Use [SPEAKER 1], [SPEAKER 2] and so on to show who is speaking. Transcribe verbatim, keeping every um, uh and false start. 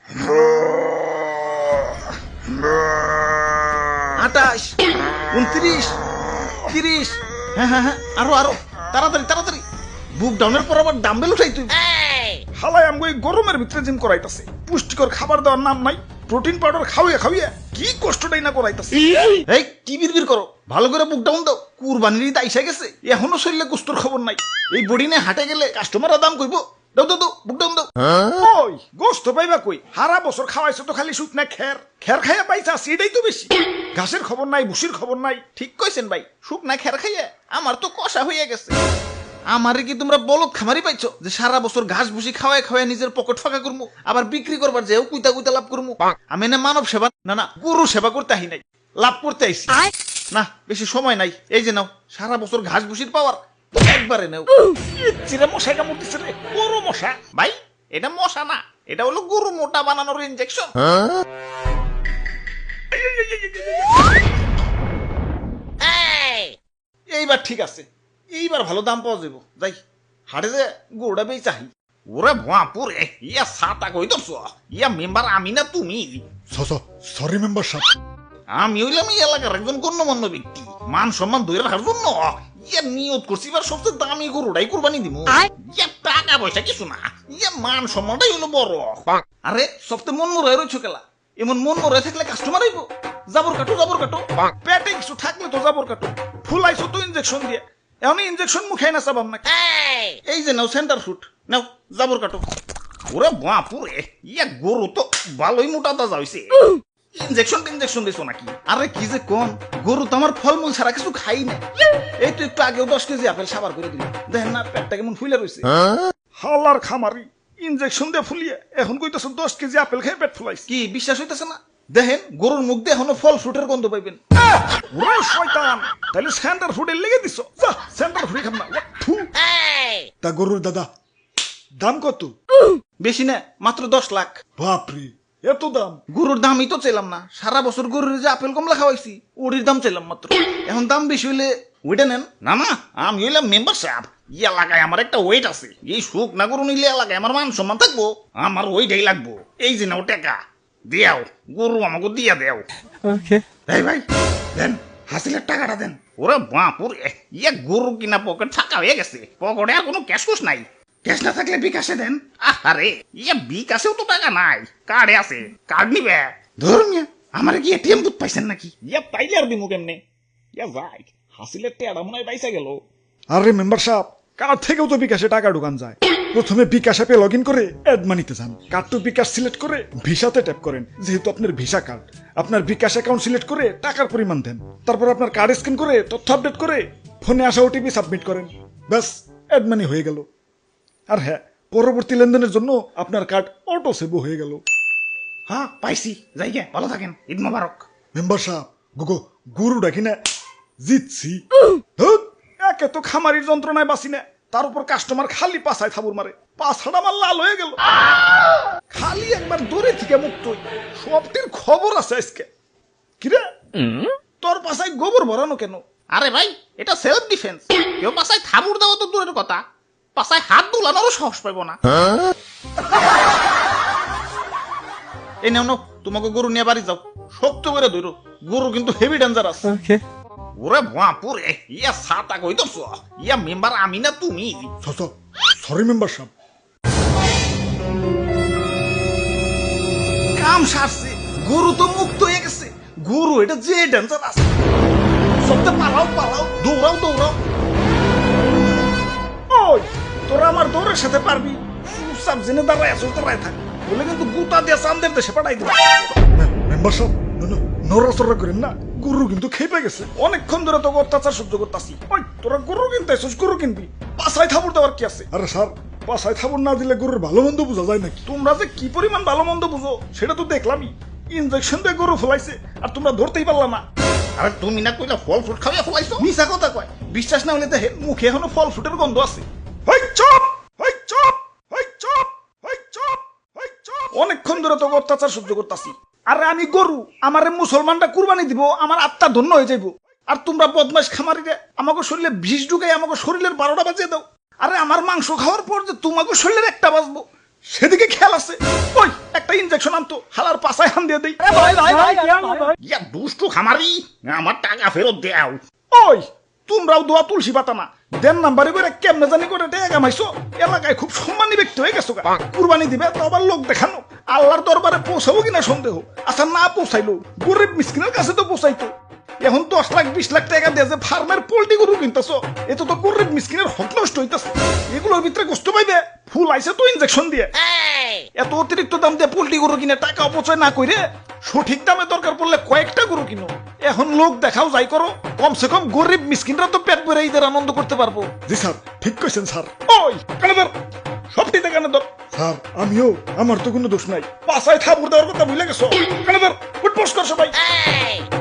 [SPEAKER 1] আটাশ, উনত্রিশ, তিরিশ, হ্যাঁ হ্যাঁ হ্যাঁ, আরো আরো তাড়াতাড়ি তাড়াতাড়ি। বুক ডাউনের পর আবার ডাম্বেল উঠাই তুই।
[SPEAKER 2] হালাই আমগো এই গরমের ভিতরে জিম করাইতাছে, পুষ্টিকর খাবার দেওয়ার নাম নাই, প্রোটিন পাউডার খাওয়াইয়া খাওয়াইয়া কি কষ্টটাই না করাইতাছে।
[SPEAKER 1] এই কি বিড়বিড় করো, ভালো করে বুক ডাউন দাও। কুরবানির ঈদ আইসা গেছে, এখনো শরীরে কুস্তর খবর নাই। এই বডি নিয়ে হাটে গেলে কাস্টমাররা দাম কইব। দাও দাও দাও, বুক ডাউন দাও।
[SPEAKER 2] ওই গোস্ত পাইবা কই? হারা বছর খাওয়াইছো তো খালি শুকনা খের, খের খাইয়া পাইছা সেটাই তো বেশি। ঘাসের খবর নাই, ভুসির খবর নাই।
[SPEAKER 1] ঠিক কইছেন ভাই, শুকনা খের খাইয়া আমার তো কষা হইয়া গেছে। আমারে কি তোমরা বলদ খামারি পাইছো যে সারা বছর ঘাস ভুসি খাওয়ায় খাওয়ায় নিজের পকেট ফাঁকা করবো, আবার বিক্রি করবার যেও কুইতা কুইতা লাভ করবো? আমি না মানব সেবা না না গরু সেবা করতে আহি নাই, লাভ করতে আইছি। না বেশি সময় নাই, এই যে নাও সারা বছর ঘাস ভুসির পাওয়ার একবারে নেও।
[SPEAKER 2] চিরে মশাই কামড় দিছে রে, বড় মশা।
[SPEAKER 1] ভাই এটা মশা না, এটা হলো গরু মোটা বানানোর ইনজেকশন। এইবার ঠিক আছে, এইবার ভালো দাম পাওয়া যাবো। যাই হাটে যে গরুটা বেই চাহি। ওরে ভুয়াপুরে, ইয়া সাতা কই দছ, ইয়া মেম্বার আমি না তুমি?
[SPEAKER 2] সরি মেম্বার সাহেব।
[SPEAKER 1] আমি হইলাম এই এলাকার একজন গণ্যমান্য ব্যক্তি, মান সম্মান ধরে রাখার জন্য ইয়া নিয়ত করছি এবার সবচেয়ে দামি গরুটাই কুরবানি দিব। ইয়া টাকা পয়সা কিছু না, ইয়া মান সম্মানটাই হলো বড়। আরে সবচেয়ে মন মরে রয়েছো কেলা, এমন মন মরে থাকলে কাস্টমার আইব। জাবর কাটো জাবর কাটো,
[SPEAKER 2] পেটে কিছু থাকলে তো জাবর কাটো। ফুলাইছো তো ইনজেকশন দিয়ে, এখন ইনজেকশন মুখে না চাবাম নাকি?
[SPEAKER 1] এই যে নাও সেন্টার ফুট, নাও জাবর কাটো। ওরে বাপুরে, ইয়া গরু তো ভালোই মোটা তাজা হইছে। ইনজেকশন ইনজেকশন দিছো নাকি? আরে কি যে কোন, গরু তো আমার ফলমূল ছাড়া কিছু খাই না। এই তো একটু আগেও দশ কেজি আপেল সাবার করে দিল, দেখেন না পেটটা কেমন ফুলে রয়েছে।
[SPEAKER 2] হালার খামারি, ইনজেকশন দিয়ে ফুলিয়ে এখন কইতেছ দশ কেজি আপেল খেয়ে পেট ফুলাইছে।
[SPEAKER 1] কি বিশ্বাস হইতেছে না? দেখেন গরুর মুখ দিয়ে এখনো ফল ফ্রুটের গন্ধ পাইবেন।
[SPEAKER 2] ওরে শয়তান, তাহলে সেন্টার ফুডে লেগে দিছো। যা সেন্টার ফুডে খাম না। থু। তা গরুর দাদা দাম কত?
[SPEAKER 1] বেশি না, মাত্র দশ লাখ।
[SPEAKER 2] বাপরে, এত দাম?
[SPEAKER 1] গরুর দামই তো চাইলাম না, সারা বছর গরুর যে আপেল কমলা খাওয়াইছি ওটির দাম চাইলাম মাত্র। এখন দাম বেশি হইলে ওইটা নেন। না না, আমি হইলাম মেম্বার সাহেব, এই এলাকায় আমার একটা ওয়েট আছে। এই সুখ না গরু নিলে এলাকায় আমার মান সম্মান থাকবো, আমার ওইটাই লাগবো। এই যে নাও টাকা দিয়াও, গরু আমাকে দিয়া দেও। এই ভাই দেন, হাসিলের টাকাটা দেন। ওরে বাপুর, ইয়া গরু কিনা পকেট ফাঁকা হয়ে গেছে, পকেটে আর কোনো ক্যাশ কুশ নাই। ক্যাশ না থাকলে বিকাশে দেন। আরে ইয়া বিকাশেও তো টাকা নাই, কার্ডে আছে, কার্ড নিবে। ধরুন আমার কি এটিএম বুথ পাইছেন নাকি? ইয়া পাইলে আর দিমু কেমনে? ইয়া ভাই হাসিলের টেয়াটা মনে হয় পাইসা গেল।
[SPEAKER 2] আরে মেম্বার সাহেব, কার্ড থেকেও তো বিকাশে টাকা ঢুকান যায়। প্রথমে বিকাশ অ্যাপে লগ ইন করে অ্যাড মানিতে যান, কার্ড টু বিকাশ সিলেক্ট করে ভিসাতে ট্যাপ করেন। যেহেতু আপনার ভিসা কার্ড, আপনার বিকাশ অ্যাকাউন্ট সিলেক্ট করে টাকার পরিমাণ দেন। তারপর আপনার কার্ড স্ক্যান করে তথ্য আপডেট করে ফোনে আসা ওটিপি সাবমিট করেন। ব্যাস, অ্যাড মানি হয়ে গেল। আর হ্যাঁ, পরবর্তী লেনদেনের জন্য আপনার কার্ড অটো সেভ হয়ে গেল।
[SPEAKER 1] হ্যাঁ পাইছি, যাই গে, ভালো থাকেন, ঈদ মোবারক।
[SPEAKER 2] মেম্বার সাহেব, গুগো গরুটা কিনা জিতছি। ধুৎ, একে তো খামারির যন্ত্রণায় বাঁচি না, তার উপর কাস্টমার খালি পাছায় থাবুর মারে, পাছাটা আমার লাল হয়ে গেল। খালি একবার দূরে থেকে মুক্ত হই, সবটির খবর আছে আজকে। কিরে তোর পাছায় গোবর ভরানো কেন?
[SPEAKER 1] আরে ভাই এটা সেলফ ডিফেন্স, কেউ পাশায় থাবুর দেওয়া তো দূরের কথা, পাশায় হাত দুলানোরও সাহস পাইব না। এই নাও নাও, তোমাকে গরু নিয়ে বাড়ি যাও, শক্ত করে ধরো, গরু কিন্তু হেভি ডেঞ্জারাস। ওরে বাপুরে, ইয়া সাতা কই দছ, ইয়া মেম্বার আমি না তুমি?
[SPEAKER 2] সরি মেম্বার সাহেব।
[SPEAKER 1] কাম সারছে, গরু তো মুক্ত হয়ে গেছে। গরু এটা যে ডেঞ্জারাস, সবটা পালাও পালাও, দৌড়াও দৌড়াও।
[SPEAKER 2] ওই তোরা আমার দৌড়ের সাথে পারবি? চুপচাপ জেনে দাঁড়ায় আছো, দাঁড়ায় থাক, বলে কিন্তু গুতা দিয়ে চান্দের দেশে পাঠাই দিবে। মেম্বার সাহেব নড়াচড়া করেন না, গরু কিন্তু খেপে গেছে। অনেকক্ষণ ধরে তোকে অত্যাচার সহ্য করতেছি। ওই তোরা গরু কিনতে আসছিস, গরু কিনবি, পাছায় থাবুর দেওয়ার কি আছে? আরে স্যার, পাছায় থাবুর না দিলে গরুর ভালো মন্দ বোঝা যায় নাকি? তোমরা যে কি পরিমাণ ভালো মন্দ বুঝো সেটা তো দেখলামই। ইনজেকশন দিয়ে গরু ফলাইছে আর তোমরা ধরতেই পারলা না।
[SPEAKER 1] আরে তুমি না কইলা ফল ফ্রুট খাওয়া ফলাইছো? মিছা কথা কয়, বিশ্বাস না হলে দেখেন মুখে এখনো ফল ফ্রুটের গন্ধ আছে। হই চুপ, হই চুপ, হই চুপ, হই চুপ, হই চুপ। অনেকক্ষণ ধরে তোকে অত্যাচার সহ্য করতেছি। আরে আমি গরু, আমারে মুসলমানটা কুরবানি দিব, আমার আত্মা ধন্য হয়ে যাইব। আর তোমরা বদমাশ খামারিরে আমাকে শরীরে বিষ ঢুকাই আমাকে শরীরের বারোটা বাজিয়ে দাও। আরে আমার মাংস খাওয়ার পর যে তোমাকে শরীরের একটা বাজবো,
[SPEAKER 2] সেদিকে খেয়াল আছে। ওই একটা ইনজেকশন আনতো, হালার পাছায় হান দিয়ে দেই।
[SPEAKER 1] ইয়া দুষ্টু খামারি, আমার টাকা ফেরত দেও।
[SPEAKER 2] ওই তোমরাও দোয়া তুলসী পাতা না, দেন নাম্বারে করে কেমনে জানি করে টাকা কামাইছো, এলাকায় খুব সম্মানী ব্যক্তি হয়ে গেছো গা। কুরবানি দিবে তো আবার লোক দেখানো, আল্লাহর দরবারে পৌঁছাবো কিনা সন্দেহ। আচ্ছা না পৌঁছাইলো, গরিব মিসকিনের কাছে তো পৌঁছাইতো। এখন দশ লাখ বিশ লাখ টাকা দিয়ে যে ফার্মের পোল্ট্রি গরু কিনতেছো, এত তো গরিব মিসকিনের হক নষ্ট হইতেছে। এগুলোর ভিতরে কষ্ট পাইবে, ফুল আইছে তো ইনজেকশন দিয়ে। এত অতিরিক্ত দাম দিয়ে পোল্ট্রি গরু কিনে টাকা অপচয় না কইরে সঠিক দামে দরকার পড়লে কয়েকটা গরু কিনো। এখন লোক দেখাও যাই করো, কমসে কম গরিব মিসকিনরা তো পেট ভরে ঈদের আনন্দ করতে পারবো।
[SPEAKER 3] জি স্যার, ঠিক কইছেন স্যার।
[SPEAKER 2] ওই কানে ধর, সবটিতে কানে ধর।
[SPEAKER 3] স্যার আমিও, আমার তো কোনো দোষ নাই।
[SPEAKER 2] পাশায় থাপুর দেওয়ার কথা ভুলে গেছো। কানে ধর, ফুটপোস কর সবাই।